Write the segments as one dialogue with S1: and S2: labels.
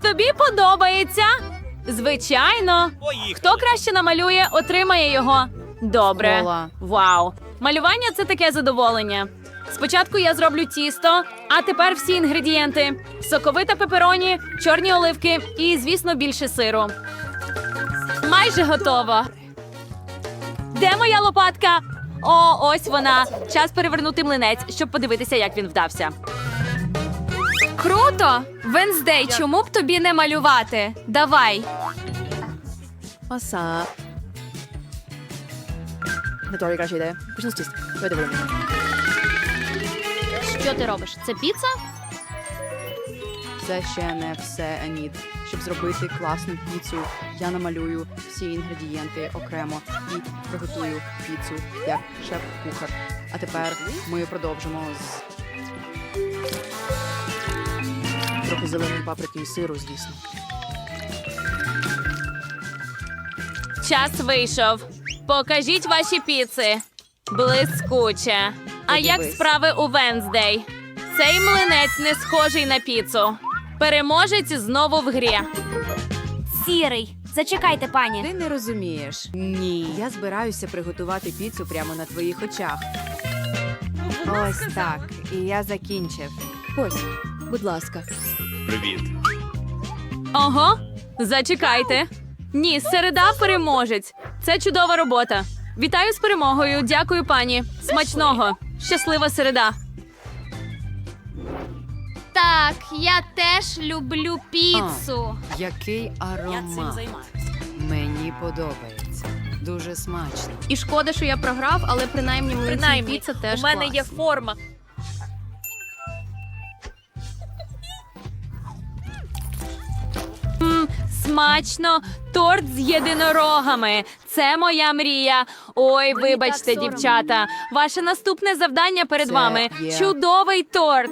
S1: Тобі подобається? Звичайно. Хто краще намалює, отримає його. Добре.
S2: Ола.
S1: Вау. Малювання – це таке задоволення. Спочатку я зроблю тісто, а тепер всі інгредієнти. Соковита пепероні, чорні оливки і, звісно, більше сиру. Майже готово. Де моя лопатка? О, ось вона. Час перевернути млинець, щоб подивитися, як він вдався. Круто! Венздей, чому б тобі не малювати? Давай.
S2: Оса. Готові краще ідея. Почну з тіста. Давай дивимо.
S1: Що ти робиш? Це піца?
S2: Це ще не все, Енід. Щоб зробити класну піцу, я намалюю всі інгредієнти окремо і приготую піцу як шеф-кухар. А тепер ми продовжимо з трохи зеленої паприки і сиру, звісно.
S1: Час вийшов. Покажіть ваші піци. Блискуче. А як
S2: Подивись.
S1: справи у Венздей? Цей млинець не схожий на піцу. Переможець знову в грі.
S3: Сірий. Зачекайте, пані.
S4: Ти не розумієш.
S2: Ні.
S4: Я збираюся приготувати піцу прямо на твоїх очах. Ось так. І я закінчив.
S2: Ось, будь ласка.
S5: Привіт.
S1: Ого, зачекайте. Ні, середа переможець. Це чудова робота. Вітаю з перемогою. Дякую, пані. Смачного. Щаслива середа.
S3: Так, я теж люблю піцу.
S4: Який аромат. Мені подобається. Дуже смачно.
S1: І шкода, що я програв, але принаймні млинці піца теж
S6: у мене
S1: клас.
S6: є форма.
S1: Смачно. Торт з єдинорогами. Це моя мрія. Ой, вибачте,
S3: так соромно.
S1: дівчата. Ваше наступне завдання перед
S4: Це
S1: вами.
S4: є-
S1: Чудовий торт.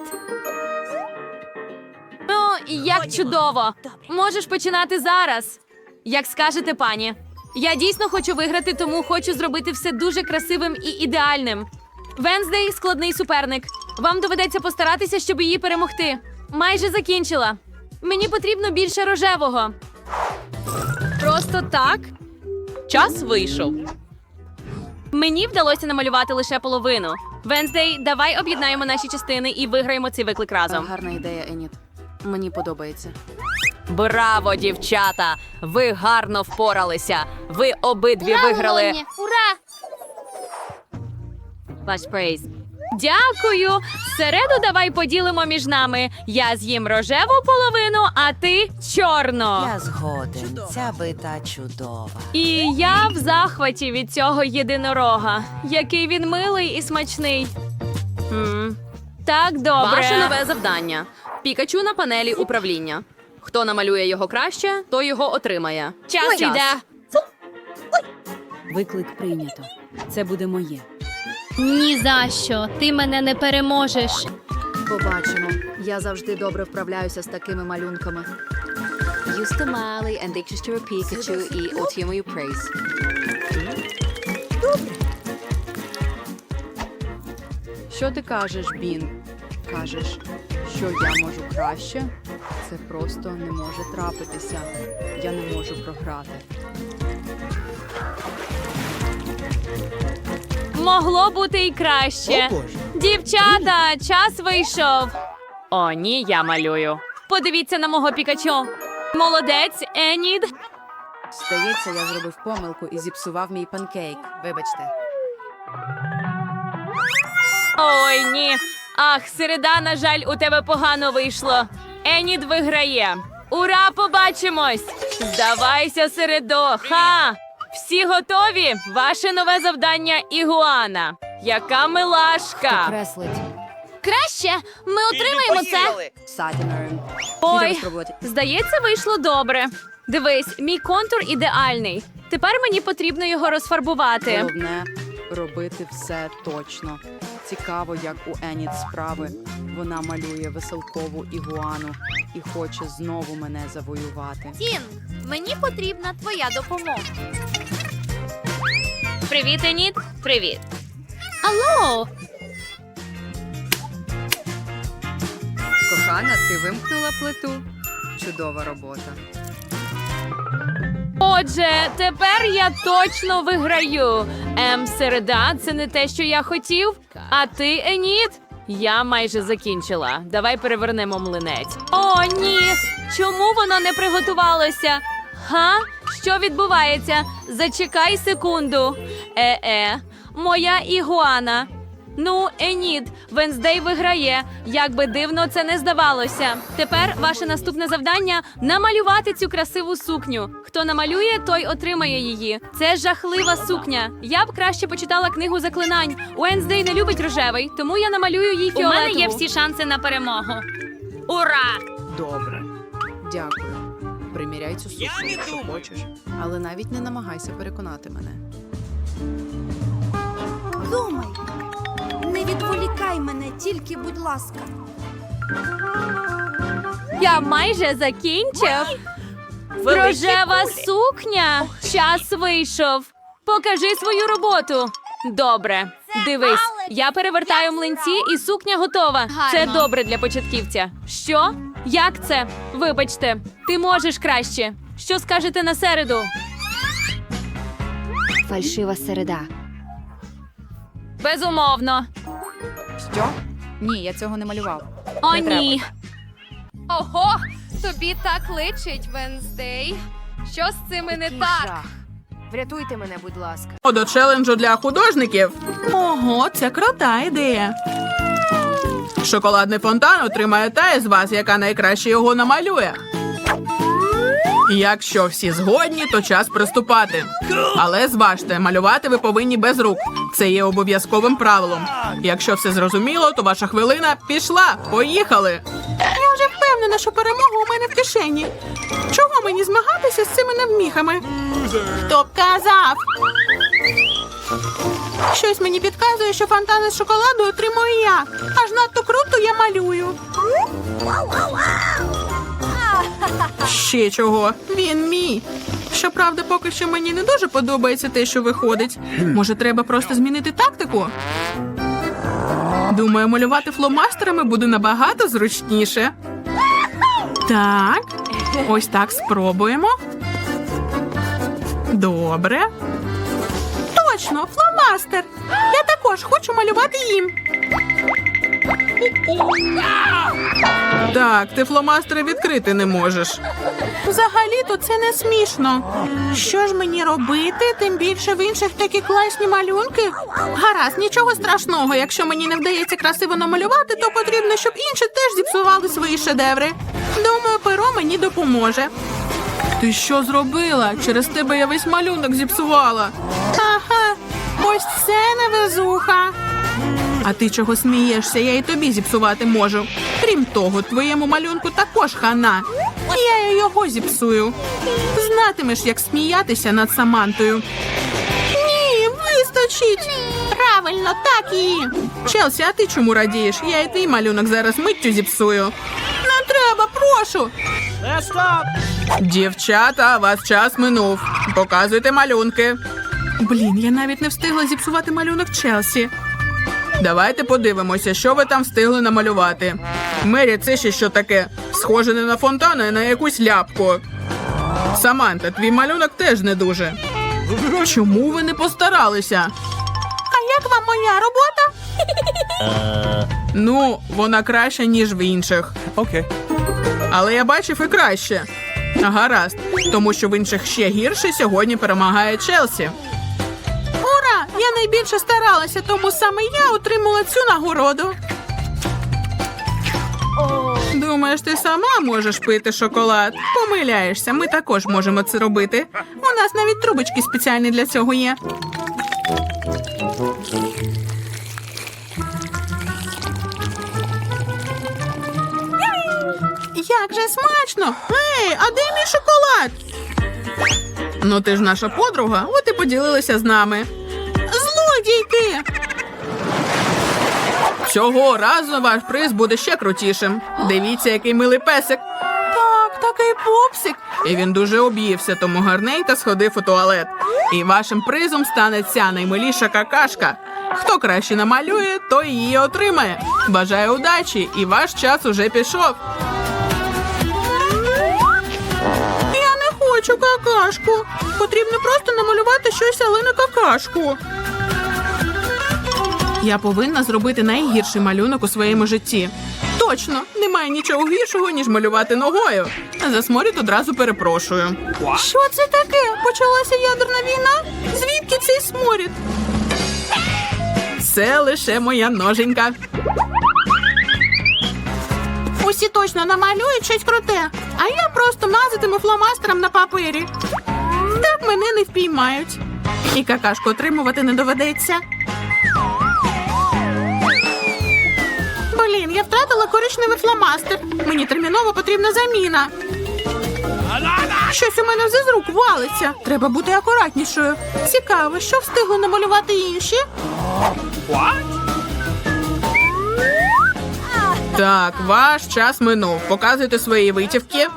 S1: Ну, як чудово. Можеш починати зараз. Як скажете, пані. Я дійсно хочу виграти, тому хочу зробити все дуже красивим і ідеальним. Венздей – складний суперник. Вам доведеться постаратися, щоб її перемогти. Майже закінчила. Мені потрібно більше рожевого. Просто так? Час вийшов. Мені вдалося намалювати лише половину. Венздей, давай об'єднаємо наші частини і виграємо цей виклик разом.
S2: Гарна ідея, Енід. Мені подобається.
S1: Браво, дівчата! Ви гарно впоралися. Ви обидві виграли.
S3: Ура!
S1: Ваш прейз. Дякую. Середу давай поділимо між нами. Я з'їм рожеву половину, а ти чорну.
S4: Я згоден. Ця бита чудова.
S1: І я в захваті від цього єдинорога. Який він милий і смачний. Так, добре.
S7: Ваше нове завдання. Пікачу на панелі управління. Хто намалює його краще, той його отримає.
S1: Час іде.
S4: Виклик прийнято. Це буде моє.
S3: Ні за що. Ти мене не переможеш.
S2: Побачимо. Я завжди добре вправляюся з такими малюнками.
S7: Юста Малі, ендикчистю Пікачу і отримую прейз.
S2: Що ти кажеш, Бін? Кажеш, що я можу краще? Це просто не може трапитися. Я не можу програти.
S1: Могло бути і краще. Дівчата, час вийшов. О, ні, я малюю. Подивіться на мого Пікачу. Молодець, Енід.
S4: Здається, я зробив помилку і зіпсував мій панкейк. Вибачте.
S1: Ой, ні. Ах, середа, на жаль, у тебе погано вийшло. Енід виграє. Ура, побачимось! Здавайся, середо. Ха! Всі готові? Ваше нове завдання – Ігуана. Яка милашка!
S4: Креслить.
S3: Краще. Ми отримаємо це.
S4: Сатінером.
S1: Ой,
S4: спробувати.
S1: здається, вийшло добре. Дивись, мій контур ідеальний. Тепер мені потрібно його розфарбувати.
S2: Головне – робити все точно. Цікаво, як у Енід справи. Вона малює веселкову ігуану і хоче знову мене завоювати.
S3: Тін, мені потрібна твоя допомога.
S1: Привіт, Енід. Привіт.
S3: Алло!
S4: Кохана, ти вимкнула плиту?
S2: Чудова робота.
S1: Отже, тепер я точно виграю. Середа – це не те, що я хотів. А ти, Еніт? Я майже закінчила. Давай перевернемо млинець. О, ні! Чому воно не приготувалося? Га? Що відбувається? Зачекай секунду. Моя ігуана. Ну, Еніт, Венздей виграє. Як би дивно це не здавалося. Тепер ваше наступне завдання – намалювати цю красиву сукню. Хто намалює, той отримає її. Це жахлива сукня. Я б краще почитала книгу заклинань. Венздей не любить рожевий, тому я намалюю їй фіолетову. У мене є всі шанси на перемогу. Ура!
S2: Добре. Дякую. Приміряй цю сукню, якщо хочеш. Але навіть не намагайся переконати мене.
S5: Думай. Не відволікай мене, тільки, будь ласка.
S1: Я майже закінчив. Рожева сукня. Час вийшов. Покажи свою роботу. Добре. Дивись, я перевертаю млинці і сукня готова. Це добре для початківця. Що? Як це? Вибачте, ти можеш краще. Що скажете на середу?
S4: Фальшива середа.
S1: Безумовно.
S2: Що? Ні, я цього не малював.
S1: О,
S2: Не треба.
S1: ні.
S6: Ого, тобі так личить, Венздей. Що з цими не так?
S4: Врятуйте мене, будь ласка.
S8: До челенджу для художників. Ого, це крута ідея. Шоколадний фонтан отримає та із вас, яка найкраще його намалює. Якщо всі згодні, то час приступати. Але зважте, малювати ви повинні без рук. Це є обов'язковим правилом. Якщо все зрозуміло, то ваша хвилина пішла. Поїхали! Я вже впевнена, що перемога у мене в кишені. Чого мені змагатися з цими невміхами? Хто б казав? Щось мені підказує, що фонтани з шоколаду отримую я. Аж надто круто я малюю. Ще чого? Він мій. Щоправда, поки що мені не дуже подобається те, що виходить. Може, треба просто змінити тактику? Думаю, малювати фломастерами буде набагато зручніше. Так, ось так спробуємо. Добре. Точно, фломастер. Я також хочу малювати їм. Так, ти фломастери відкрити не можеш. Взагалі-то це не смішно. Що ж мені робити? Тим більше в інших такі класні малюнки. Гаразд, нічого страшного. Якщо мені не вдається красиво намалювати, то потрібно, щоб інші теж зіпсували свої шедеври. Думаю, перо мені допоможе. Ти що зробила? Через тебе я весь малюнок зіпсувала. Ага, ось це невезуха. А ти чого смієшся? Я і тобі зіпсувати можу. Крім того, твоєму малюнку також хана. Я й його зіпсую. Знатимеш, як сміятися над Самантою. Ні, вистачить. Правильно, так і. Челсі, а ти чому радієш? Я і твій малюнок зараз миттю зіпсую. Не треба, прошу. Дівчата, ваш час минув. Показуйте малюнки. Блін, я навіть не встигла зіпсувати малюнок Челсі. Давайте подивимося, що ви там встигли намалювати. Мері, це ще що таке? Схоже не на фонтан, а на якусь ляпку. Саманта, твій малюнок теж не дуже. Чому ви не постаралися? А як вам моя робота? Ну, вона краща, ніж в інших.
S9: Окей.
S8: Але я бачив і краще. Гаразд, тому що в інших ще гірше сьогодні перемагає Челсі. Ура! Я найбільше старалася, тому саме я отримала цю нагороду. Думаєш, ти сама можеш пити шоколад? Помиляєшся, ми також можемо це робити. У нас навіть трубочки спеціальні для цього є. Як же смачно! Ей, а де мій шоколад? Ну ти ж наша подруга, от і поділилася з нами. Злодійки! Цього разу ваш приз буде ще крутішим. Дивіться, який милий песик. Так, такий пупсик. І він дуже об'ївся, тому гарненько сходив у туалет. І вашим призом стане ця наймиліша какашка. Хто краще намалює, той її отримає. Бажаю удачі, і ваш час уже пішов. хочу какашку. Потрібно просто намалювати щось, але не какашку. Я повинна зробити найгірший малюнок у своєму житті. Точно, немає нічого гіршого, ніж малювати ногою. За сморід одразу перепрошую. Що це таке? Почалася ядерна війна? Звідки цей сморід? Це лише моя ноженька. Усі точно намалюють щось круте, а я просто мазатиму фломастером на папері. Так мене не впіймають. І какашку отримувати не доведеться. Блін, я втратила коричневий фломастер. Мені терміново потрібна заміна. Щось у мене вже з рук валиться. Треба бути акуратнішою. Цікаво, що встигли намалювати інші? Так, ваш час минув. Показуйте свої витівки.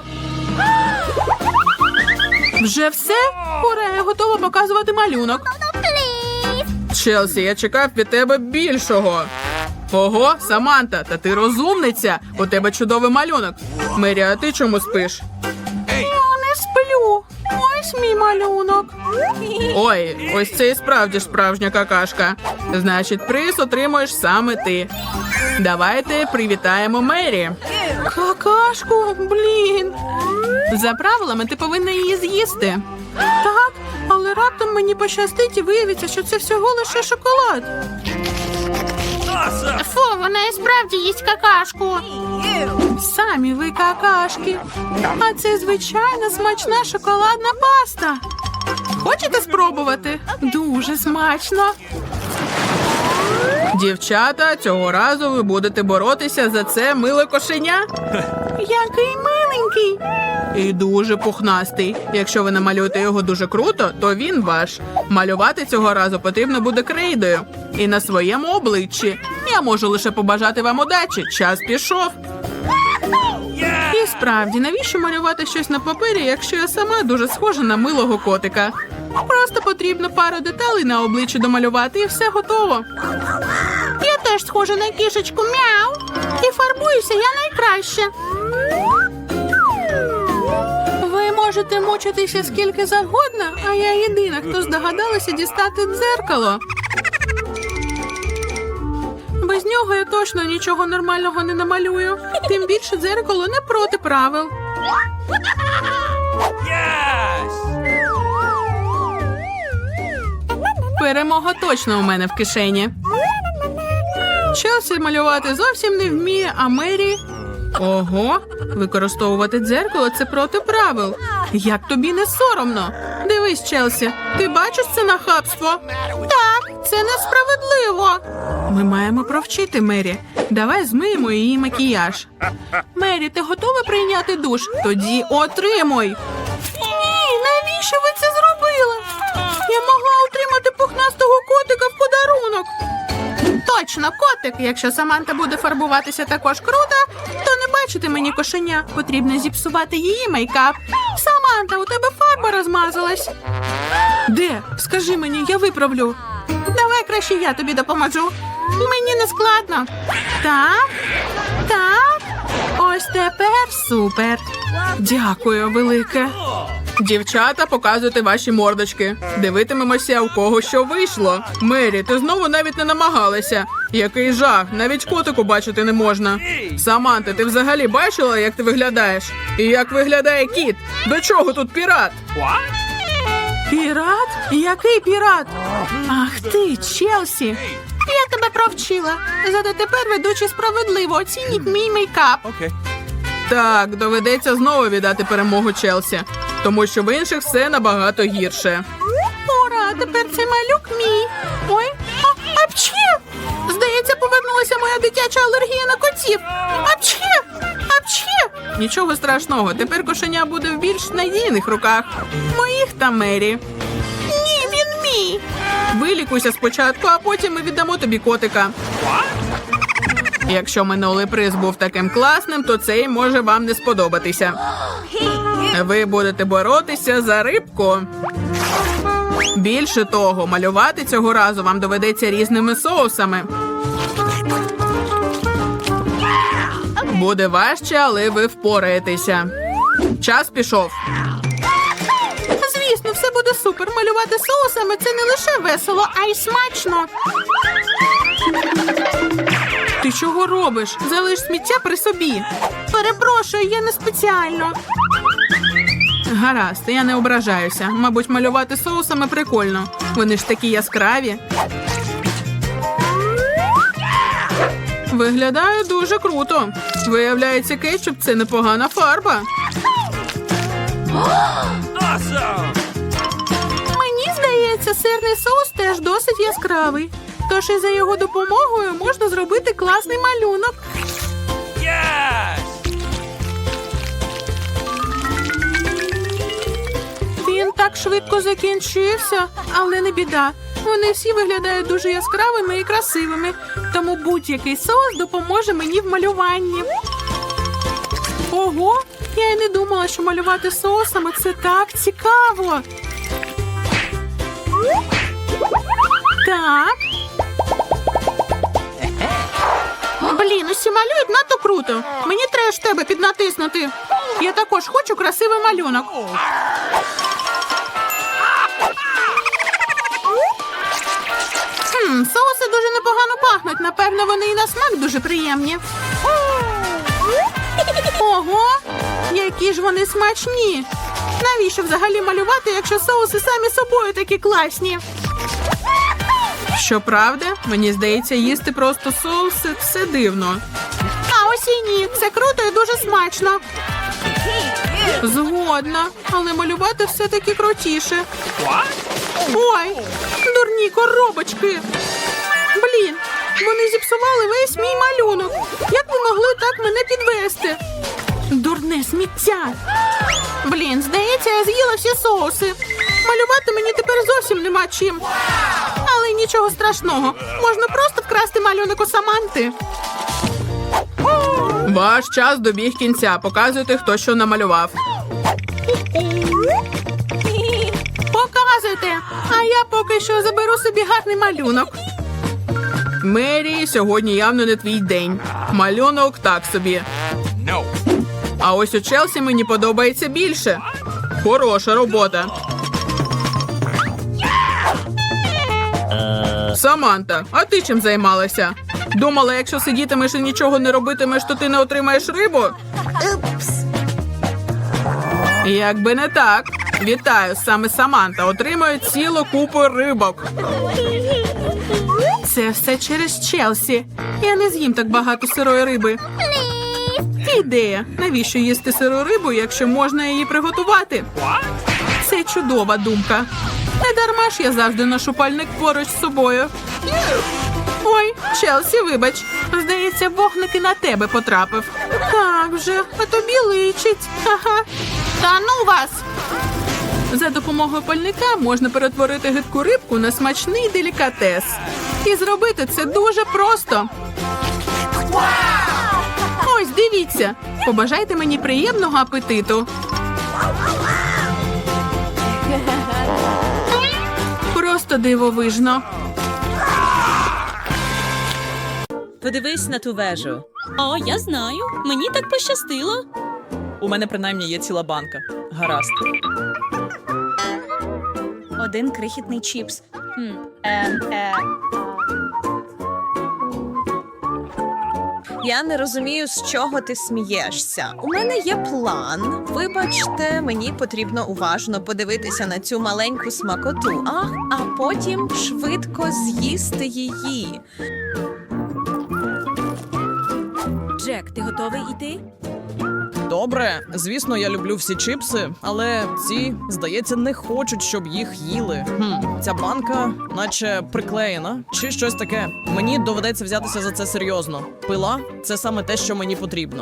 S8: Вже все? Ура, я готова показувати малюнок. Челсі, я чекав від тебе більшого. Ого, Саманта, та ти розумниця. У тебе чудовий малюнок. Мері, а ти чому спиш? Я не сплю. Ось мій малюнок. Ой, ось це і справді справжня какашка. Значить, приз отримуєш саме ти. Давайте привітаємо Мері. Какашку, блін. За правилами ти повинна її з'їсти. Так, але раптом мені пощастить і виявиться, що це всього лише шоколад. Фу, вона і справді їсть какашку. Самі ви какашки. А це звичайна смачна шоколадна паста. Хочете спробувати? Дуже смачно. Дівчата, цього разу ви будете боротися за це миле кошеня. Який миленький. І дуже пухнастий. Якщо ви намалюєте його дуже круто, то він ваш. Малювати цього разу потрібно буде крейдою. І на своєму обличчі. Я можу лише побажати вам удачі. Час пішов. І справді, навіщо малювати щось на папері, якщо я сама дуже схожа на милого котика? Просто потрібно пару деталей на обличчі домалювати і все готово. Я теж схожа на кішечку, мяу. І фарбуюся я найкраще. Ви можете мучитися скільки завгодно, а я єдина, хто здогадалася дістати дзеркало. Без нього я точно нічого нормального не намалюю. Тим більше дзеркало не проти правил. Перемога точно у мене в кишені. Челсі малювати зовсім не вміє, а Мері... Ого, використовувати дзеркало – це проти правил. Як тобі не соромно? Дивись, Челсі, ти бачиш це нахабство? Так, це несправедливо. Ми маємо провчити Мері. Давай змиємо її макіяж. Мері, ти готова прийняти душ? Тоді отримуй. Ні, навіщо ви це зробили? Я могла отримати пухнастого котика в подарунок. Точно, котик. Якщо Саманта буде фарбуватися також круто, то не бачити мені кошеня. Потрібно зіпсувати її мейкап. Саманта, у тебе фарба розмазалась. Де? Скажи мені, я виправлю. Давай краще я тобі допоможу. Мені не складно. Так, так. Ось тепер супер. Дякую, велике. Дівчата, показуйте ваші мордочки. Дивитимемося, у кого що вийшло. Мері, ти знову навіть не намагалася. Який жах, навіть котику бачити не можна. Саманта, ти взагалі бачила, як ти виглядаєш? І як виглядає кіт? До чого тут пірат? Пірат? Який пірат? Ах ти, Челсі. Я тебе провчила. Зато тепер ведучі справедливо оцініть мій мейкап. Так, доведеться знову віддати перемогу Челсі, тому що в інших все набагато гірше. Ура, тепер цей малюк мій. Ой, апчхі! Здається, повернулася моя дитяча алергія на котів. Апчхі! Апчхі! Нічого страшного, тепер кошеня буде в більш надійних руках. Моїх та Мері. Ні, він мій. Вилікуйся спочатку, а потім ми віддамо тобі котика. Якщо минулий приз був таким класним, то цей може вам не сподобатися. Ви будете боротися за рибку. Більше того, малювати цього разу вам доведеться різними соусами. Буде важче, але ви впораєтеся. Час пішов. Звісно, все буде супер. Малювати соусами – це не лише весело, а й смачно. Ти чого робиш? Залиш сміття при собі. Перепрошую, я не спеціально. Гаразд, я не ображаюся. Мабуть, малювати соусами прикольно. Вони ж такі яскраві. Виглядає дуже круто. Виявляється, кетчуп – це непогана фарба. Мені здається, сирний соус теж досить яскравий. Тож і за його допомогою можна зробити класний малюнок. Він так швидко закінчився, але не біда. Вони всі виглядають дуже яскравими і красивими, тому будь-який соус допоможе мені в малюванні. Ого, я й не думала, що малювати соусами – це так цікаво. Так. Блін, усі малюють надто круто. Мені треба ж тебе піднатиснути. Я також хочу красивий малюнок. Соуси дуже непогано пахнуть. Напевно, вони і на смак дуже приємні. Ого, які ж вони смачні. Навіщо взагалі малювати, якщо соуси самі собою такі класні? Щоправда, мені здається, їсти просто соуси – це дивно. А ось і ні, це круто і дуже смачно. Згодна, але малювати все-таки крутіше. Ой, дурні коробочки. Блін, вони зіпсували весь мій малюнок. Як ви могли так мене підвести? Дурне сміття. Блін, здається, я з'їла всі соуси. Малювати мені тепер зовсім нема чим. Але нічого страшного. Можна просто вкрасти малюнок у Саманти. Ваш час добіг кінця. Показуйте, хто що намалював. Показуйте. А я поки що заберу собі гарний малюнок. Мері, сьогодні явно не твій день. Малюнок так собі. А ось у Челсі мені подобається більше. Хороша робота. Саманта, а ти чим займалася? Думала, якщо сидітимеш і нічого не робитимеш, то ти не отримаєш рибу? Якби не так. Вітаю, саме Саманта отримує цілу купу рибок. Це все через Челсі. Я не з'їм так багато сирої риби. Ідея. Навіщо їсти сиру рибу, якщо можна її приготувати? Це чудова думка. Не дарма ж я завжди ношу пальник поруч з собою. Ой, Челсі, вибач. Здається, вогник і на тебе потрапив. Так вже, а тобі личить. Ага. Та ну вас! За допомогою пальника можна перетворити гидку рибку на смачний делікатес. І зробити це дуже просто. Ось, дивіться. Побажайте мені приємного апетиту. Просто дивовижно.
S9: Подивись на ту вежу. О, я знаю. Мені так пощастило. У мене принаймні є ціла банка. Гаразд. Один крихітний чіпс.
S10: Я не розумію, з чого ти смієшся. У мене є план. Вибачте, мені потрібно уважно подивитися на цю маленьку смакоту, а потім швидко з'їсти її.
S9: Джек, ти готовий іти?
S11: Добре, звісно, я люблю всі чипси, але ці, здається, не хочуть, щоб їх їли. Ця банка наче приклеєна, чи щось таке. Мені доведеться взятися за це серйозно. Пила – це саме те, що мені потрібно.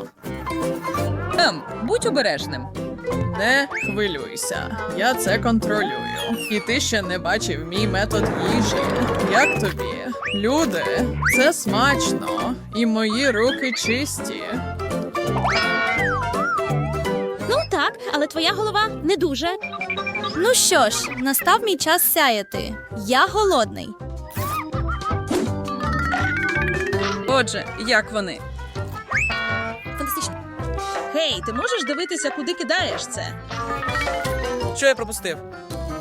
S9: Будь обережним.
S11: Не хвилюйся, я це контролюю. І ти ще не бачив мій метод їжі. Як тобі? Люди, це смачно. І мої руки чисті.
S3: Ну так, але твоя голова не дуже. Ну що ж, настав мій час сяяти. Я голодний.
S9: Отже, як вони?
S3: Фантастично.
S9: Гей, ти можеш дивитися, куди кидаєш це?
S11: Що я пропустив?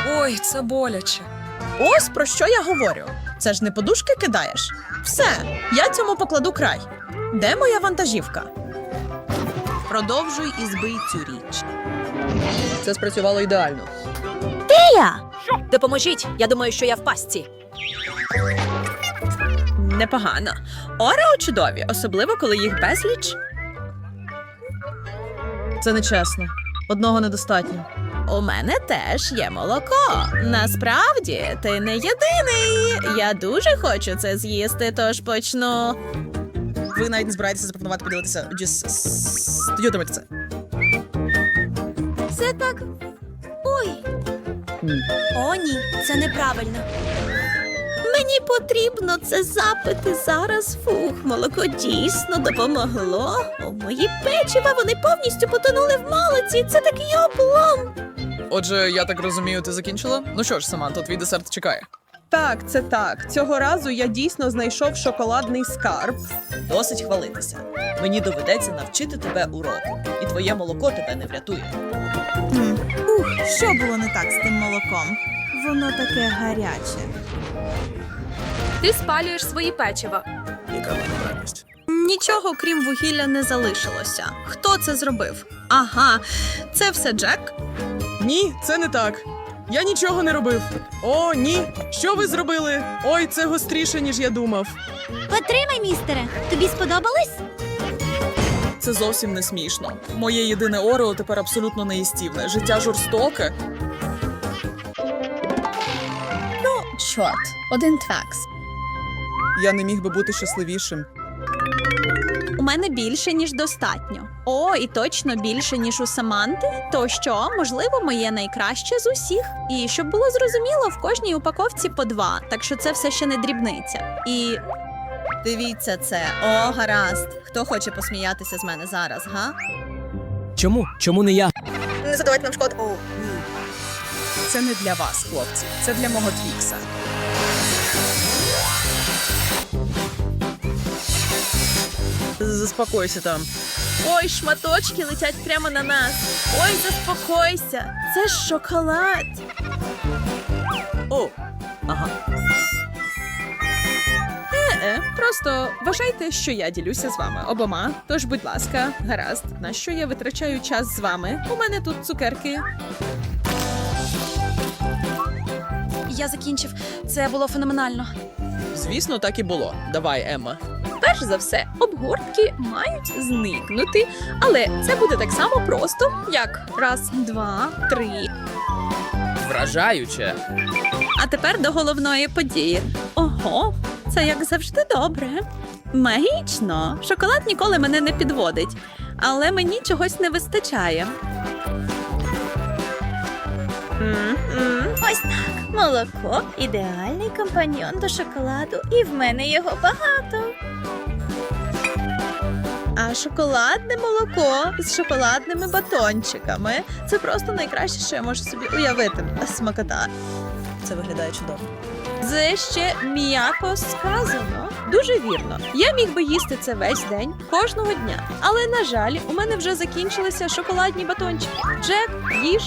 S9: Ой, це боляче.
S10: Ось про що я говорю. Це ж не подушки кидаєш. Все, я цьому покладу край. Де моя вантажівка? Продовжуй і збий цю річ.
S11: Це спрацювало ідеально.
S3: Допоможіть, я думаю, що я в пастці.
S10: Непогано. Орео чудові, особливо коли їх безліч.
S11: Це нечесно. Одного недостатньо.
S10: У мене теж є молоко. Насправді, ти не єдиний. Я дуже хочу це з'їсти, тож почну.
S11: Ви навіть не збираєтеся запропонувати поділитися студіотами це.
S5: Це так. Ой. О, ні, це неправильно.
S3: Мені потрібно це запити зараз. Фух, молоко дійсно допомогло. О, мої печива, вони повністю потонули в молоці. Це такий облом.
S11: Отже, я так розумію, ти закінчила? Ну що ж, Саманто, твій десерт чекає.
S10: Так, це так. Цього разу я дійсно знайшов шоколадний скарб.
S9: Досить хвалитися. Мені доведеться навчити тебе уроку, і твоє молоко тебе не врятує.
S10: Що було не так з тим молоком? Воно таке гаряче.
S1: Ти спалюєш свої печива.
S11: Яка неправильність?
S10: Нічого, крім вугілля, не залишилося. Хто це зробив? Ага, це все Джек.
S11: Ні, це не так. Я нічого не робив. О, ні. Що ви зробили? Ой, це гостріше, ніж я думав.
S5: Потримай, містере. Тобі сподобалось?
S11: Це зовсім не смішно. Моє єдине Орео тепер абсолютно неїстівне. Життя жорстоке.
S3: Чорт, один твакс.
S11: Я не міг би бути щасливішим.
S3: У мене більше, ніж достатньо. О, і точно більше, ніж у Саманти. То що, можливо, моє найкраще з усіх. І щоб було зрозуміло, в кожній упаковці по 2, так що це все ще не дрібниця. І
S10: Дивіться це. О, гаразд. Хто хоче посміятися з мене зараз, га?
S9: Чому? Чому не я?
S10: Не задавайте нам шкод.
S11: Це не для вас, хлопці. Це для мого твікса. Заспокойся там.
S3: ой, шматочки летять прямо на нас. Ой, заспокойся. Це ж шоколад.
S11: О, ага.
S10: Просто вважайте, що я ділюся з вами обома. Тож, будь ласка, гаразд. На що я витрачаю час з вами? У мене тут цукерки.
S3: Я закінчив. Це було феноменально.
S11: Звісно, так і було. Давай, Емма.
S3: Перш за все, обгортки мають зникнути, але це буде так само просто, як раз, два, три.
S11: Вражаюче.
S3: А тепер до головної події. Ого, це як завжди добре. Магічно. Шоколад ніколи мене не підводить, але мені чогось не вистачає.
S5: Ось так. Молоко – ідеальний компаньйон до шоколаду, і в мене його багато.
S10: А шоколадне молоко з шоколадними батончиками – це просто найкраще, що я можу собі уявити. Смакота.
S9: Це виглядає чудово.
S10: Це ще м'яко сказано. Дуже вірно. Я міг би їсти це весь день, кожного дня. Але, на жаль, у мене вже закінчилися шоколадні батончики. Джек, їж.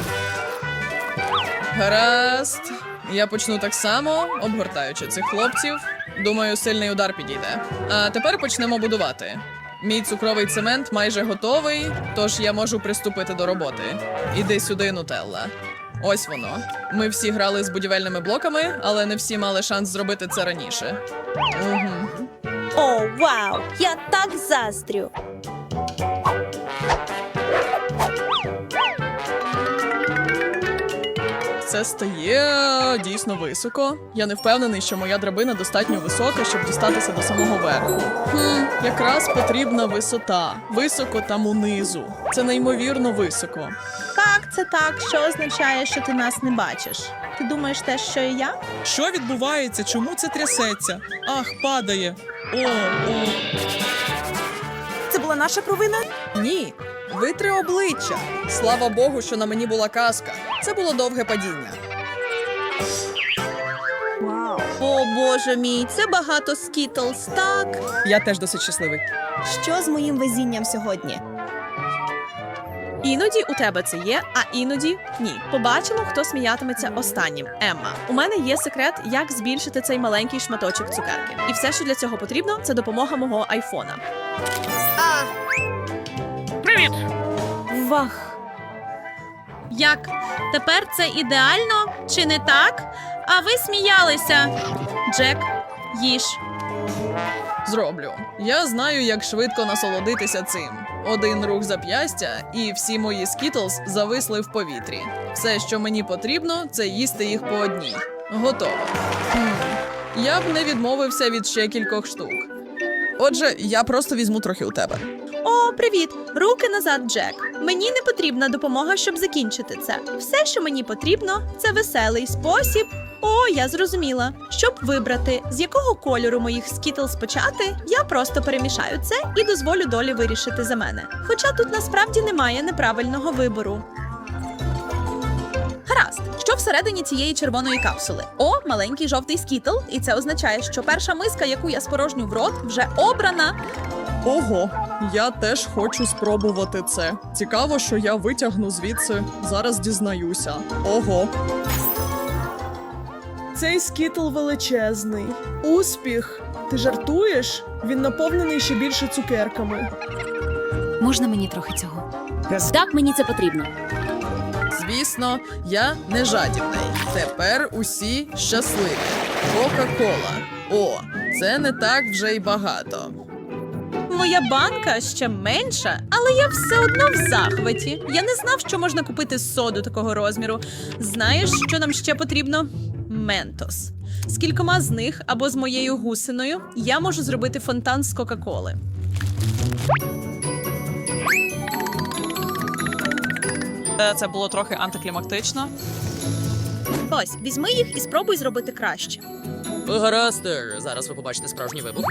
S11: Гаразд. Я почну так само, обгортаючи цих хлопців. Думаю, сильний удар підійде. А тепер почнемо будувати. Мій цукровий цемент майже готовий, тож я можу приступити до роботи. Іди сюди, Нутелла. Ось воно. Ми всі грали з будівельними блоками, але не всі мали шанс зробити це раніше. Угу.
S5: О, вау! Я так заздрю.
S11: Це стає дійсно високо. Я не впевнений, що моя драбина достатньо висока, щоб дістатися до самого верху. Якраз потрібна висота. Високо там унизу. Це неймовірно високо.
S10: Так, це так, що означає, що ти нас не бачиш. Ти думаєш те, що і я?
S11: Що відбувається? Чому це трясеться? Ах, падає. О.
S10: Це була наша провина?
S11: Ні. Витри обличчя. Слава Богу, що на мені була каска. Це було довге падіння.
S10: О, боже мій, це багато скітлз, так?
S11: Я теж досить щасливий.
S10: Що з моїм везінням сьогодні?
S3: Іноді у тебе це є, а іноді ні. Побачимо, хто сміятиметься останнім. Емма, у мене є секрет, як збільшити цей маленький шматочок цукерки. І все, що для цього потрібно, це допомога мого айфона.
S8: Привіт!
S3: Вах! Як? Тепер це ідеально? Чи не так? А ви сміялися. Джек, їж.
S11: Зроблю. Я знаю, як швидко насолодитися цим. Один рух зап'ястя, і всі мої скітлз зависли в повітрі. Все, що мені потрібно, це їсти їх по одній. Готово. Я б не відмовився від ще кількох штук. Отже, я просто візьму трохи у тебе.
S3: О, привіт! Руки назад, Джек. Мені не потрібна допомога, щоб закінчити це. Все, що мені потрібно, це веселий спосіб. О, я зрозуміла. Щоб вибрати, з якого кольору моїх скітлз почати, я просто перемішаю це і дозволю долі вирішити за мене. Хоча тут насправді немає неправильного вибору. Гаразд, що всередині цієї червоної капсули? О, маленький жовтий скітл, і це означає, що перша миска, яку я спорожню в рот, вже обрана.
S11: Ого, я теж хочу спробувати це. Цікаво, що я витягну звідси. Зараз дізнаюся. Ого.
S12: Цей скітл величезний. Успіх! Ти жартуєш? Він наповнений ще більше цукерками.
S1: Можна мені трохи цього? Так, мені це потрібно.
S11: Звісно, я не жадібний. Тепер усі щасливі. Кока-кола. О, це не так вже й багато.
S3: Моя банка ще менша, але я все одно в захваті. Я не знав, що можна купити соду такого розміру. Знаєш, що нам ще потрібно? Ментос. З кількома з них або з моєю гусиною я можу зробити фонтан з Кока-Коли.
S9: Це було трохи антиклімактично.
S3: Ось, візьми їх і спробуй зробити краще.
S11: Гаразд, зараз ви побачите справжній вибух.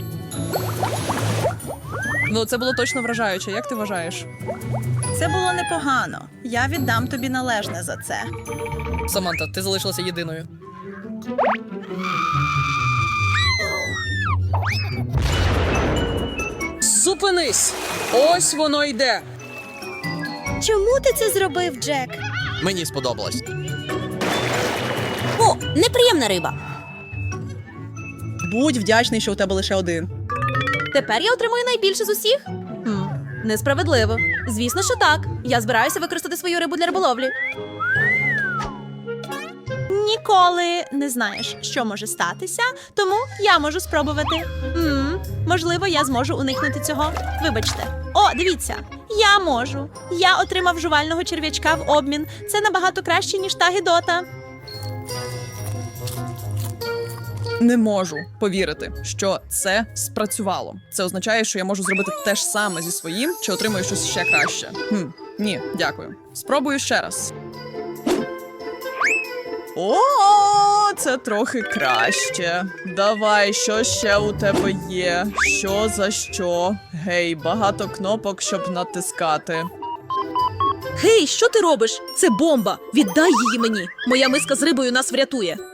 S11: Ну, це було точно вражаюче. Як ти вважаєш?
S3: Це було непогано. Я віддам тобі належне за це.
S11: Саманта, ти залишилася єдиною. Зупинись! Ось воно йде!
S5: Чому ти це зробив, Джек?
S11: Мені сподобалось.
S1: О, неприємна риба.
S2: Будь вдячний, що у тебе лише один.
S1: Тепер я отримую найбільше з усіх? Несправедливо. Звісно, що так. Я збираюся використати свою рибу для риболовлі.
S3: Ніколи не знаєш, що може статися, тому я можу спробувати. Можливо, я зможу уникнути цього. Вибачте. О, дивіться, я можу. Я отримав жувального черв'ячка в обмін. Це набагато краще, ніж та гидота.
S11: Не можу повірити, що це спрацювало. Це означає, що я можу зробити те ж саме зі своїм, чи отримую щось ще краще. Ні, дякую. Спробую ще раз. О, це трохи краще. Давай, що ще у тебе є? Що за що? Гей, багато кнопок, щоб натискати.
S3: Гей, що ти робиш? Це бомба! Віддай її мені! Моя миска з рибою нас врятує.